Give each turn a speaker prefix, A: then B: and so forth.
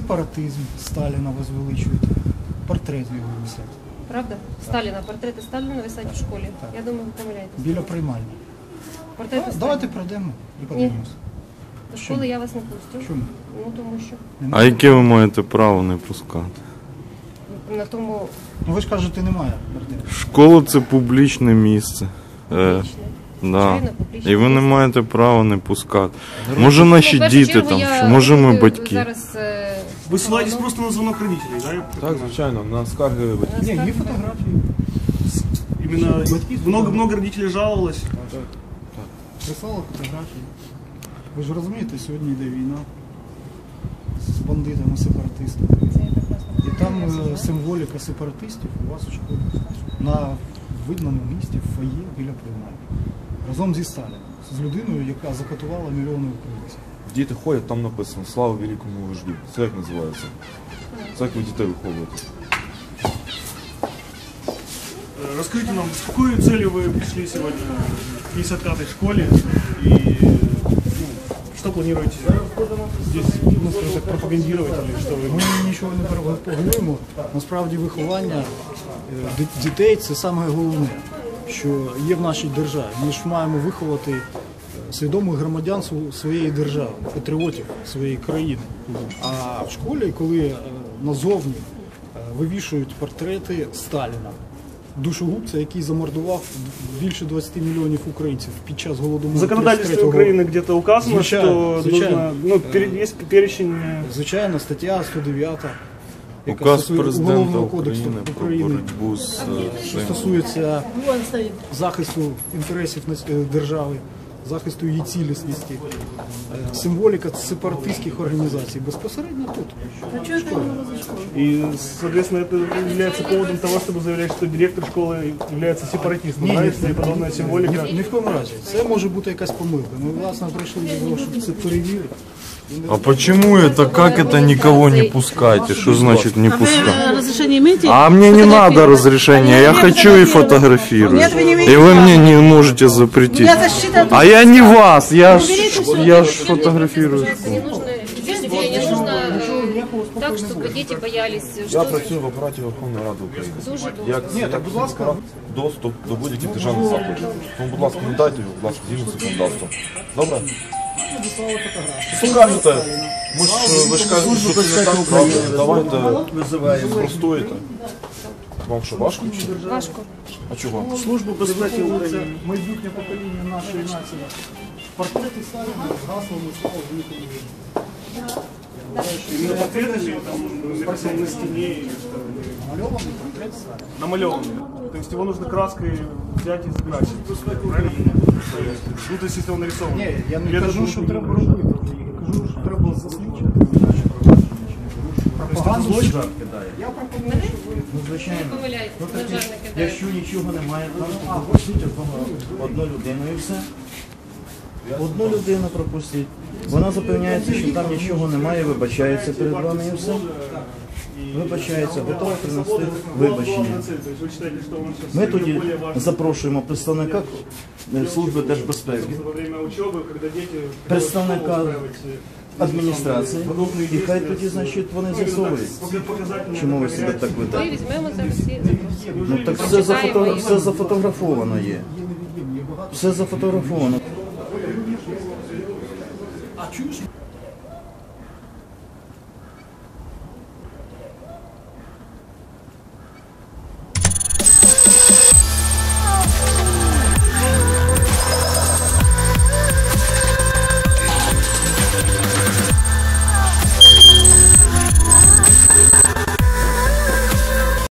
A: Сепаратизм Сталіна возвеличуєте. Портрет його висять.
B: Правда? Сталіна, портрети Сталіна висять в школі.
A: Так.
B: Я думаю, ви помиляєтесь.
A: Біля приймальні.
B: Портрети Сталіна.
A: Давайте пройдемо і подивимося.
B: До школи я вас не пустю.
A: Чому?
B: Ну, тому що
C: А яке ви маєте право не пускати?
B: на тому
A: Ну ви ж кажете, немає портрету.
C: Школа це публічне місце. Да.
B: звичайно, публічне
C: І ви не
B: місце.
C: маєте права не пускати. Може наші
B: Ну, в першу
C: діти
B: чергу,
C: там,
B: я
C: може ми
B: буду
C: батьки.
B: Зараз,
D: Ви ссилаєтесь просто на дзвонок родителей, да?
E: Так, звичайно, на скарги батьків.
A: Ні, є фотографії.
D: Именно много родителей жаловалось.
A: Прислала фотографії. Ви ж розумієте, сьогодні йде війна з бандитами, сепаратистами.
B: це я прекрасно
A: І там символіка сепаратистів у вас у школі. На видному місці в фоє біля приймальні. Разом зі Сталіном. З людиною, яка закатувала мільйони українців.
E: Діти ходять, там написано «Слава великому вождю». Це як називається? Це як ви дітей виховуєте?
D: Расскажите нам, с какой целью вы пришли сегодня к 55-й школе и что планируете здесь, ну, скажем так, пропагандировать или что вы?
A: Ми нічого не пропагуємо. Насправді виховання дітей – це саме головне, що є в нашій державі. Ми ж маємо виховати свідомих громадян своєї держави, патріотів своєї країни. А в школі, коли назовні вивішують портрети Сталіна, душогубця, який замордував більше 20 мільйонів українців під час
D: В
A: голодомору.
D: законодательстве
A: 33-го.
D: Украины где-то указано,
A: Звичайно,
D: что
A: звичайно.
D: нужно, есть перечень.
A: Звичайно, стаття 109, яка
C: Указ
A: стосується
C: президента
A: Уголовного кодексу
C: України про
A: України,
C: боротьбу з
A: що
C: цим.
A: стосується захисту інтересів держави, захисту її цілісності, символіка сепаратистських організацій безпосередньо тут.
D: И, соответственно, это является поводом того, чтобы заявлять, что директор школы является сепаратистом, да, если подобная символика.
A: Ні в кому разі. Це може бути якась помилка. Ми, власне, прийшли до того, щоб це перевірити.
C: А почему это, как это никого не пускайте? Что значит не пускать?
F: Разрешение имеете?
C: А мне не надо разрешения, я хочу и фотографирую.
F: Нет, вы не имеете
C: И вы
F: права.
C: мне не можете запретить.
F: Я защита.
C: А я не вас, я ж фотографирую.
B: не нужно, видите, не нужно так, чтобы дети боялись,
E: Я
B: что
E: працюю в апараті Верховної Ради України.
B: дуже
E: Як будь ласка, доступ до будь-яких державних закладів. Тому, будь ласка, не дайте його, будь ласка, згідно з законодавством. Добре? Що кажете? Ви ж кажете, що це не так, правда? Давайте спростуєте. Вам що, важко чи?
B: важко.
E: А чого?
D: Службу безпеки України.
A: Майбутнє покоління нашої нації. Портрети Сталіна з гаслами «Слава великому вождю».
D: Именно портреты или там написано на стене или что?
A: Намальований портрет Сталіна.
D: Намалеванный. То есть его нужно краской взять и закрасить. Правильно? Ну, то есть если он нарисован.
A: Ні, я не
D: Или это
A: кажу,
D: будет
A: що
D: не
A: треба
D: нужно?
A: робити. Я кажу, що треба засвідчити наші провадження. Пропаганду
D: злочин?
A: Я пропоную, щоб ви...
B: Ви помиляєтесь, на жаль, не кидають.
G: Якщо нічого немає, то пропустіть одну людину і все. Одну людину пропустіть. Вона запевняється, що там нічого немає, вибачається перед вами і все. Вибачається, готова принести вибачення.
D: То есть вы считаете, что он сейчас
G: Ми тоді
D: более важный
G: запрошуємо представника Служби держбезпеки,
D: во время учебы, когда дети
G: представника адміністрації, і хай тоді, значить, вони з'ясовують, чому ви себе так
B: Ми
G: ведете.
B: візьмемо зараз всі запросимо.
G: Ну так все зафотографовано є. Все зафотографовано.
A: А чуєш?